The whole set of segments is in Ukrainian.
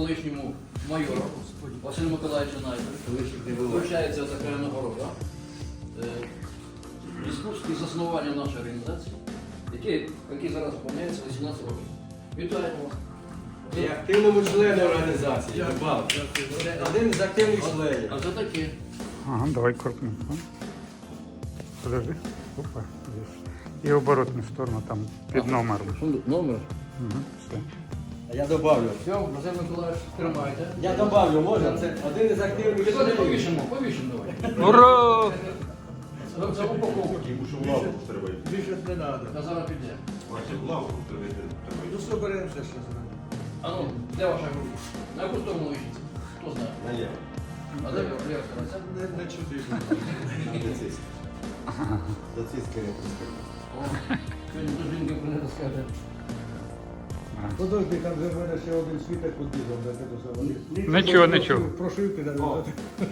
колишньому майору Василю Миколаївичу Найду вручається така нагорода. В зв'язку з заснуванням нашої організації, який зараз виповняється 18 років. Вітаємо вас. І активному члену організації. Це один з активних членів. А це таке. Ага, давай крупненько. Подожди. Опа, здесь. И оборотную сторону там під номером. Номер. Угу, все. А я добавлю. Все, Василь Миколаївич, тримайте. Я добавлю, можна? Це один із активних Сьогодні членів. повішимо давай. Ура! За упаковку. Більше не треба. Та зараз піде. Ну, соберемося ще зробимо. А ну, де ваша група? На яку сторону вишиться? Хто знає? Наліво. А де ліва сторона? Не чути. До ціски не пускай. О, сьогодні до жінки прийде скаже. Подожди, там же в мене ще один світок під бізом, де це саме. Нічого, нічого. Прошивки навіть.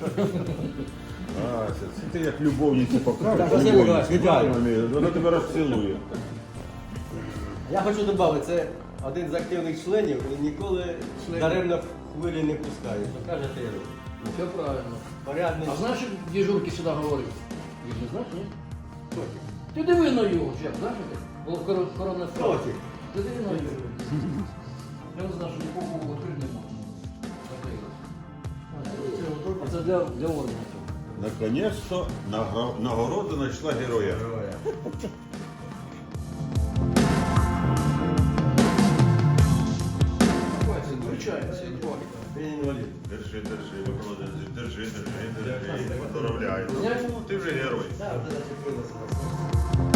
А, це ти як любовниці покажеш, Так, Василь Миколаївич, вітаю. вона тебе розцілує. Я хочу додати, це один з активних членів і ніколи даремно хвилі не пускає. Що кажете, я роблю. Все правильно. Порядний. А знаєш, що дежурки сюди говорив? Їх не знаєш, ні? Ти диви на його, Чеп, знаєш таке? Було коронне вправо. Котик. Ти диви на його. Я не знаю, що нікого відкрити не можна. А це для органів. Наконець-то нагорода знайшла героя. Вручається. Він інвалід. Держи, Микола, держи. Поздравляю. Ти вже герой. Так, вже зачепилося.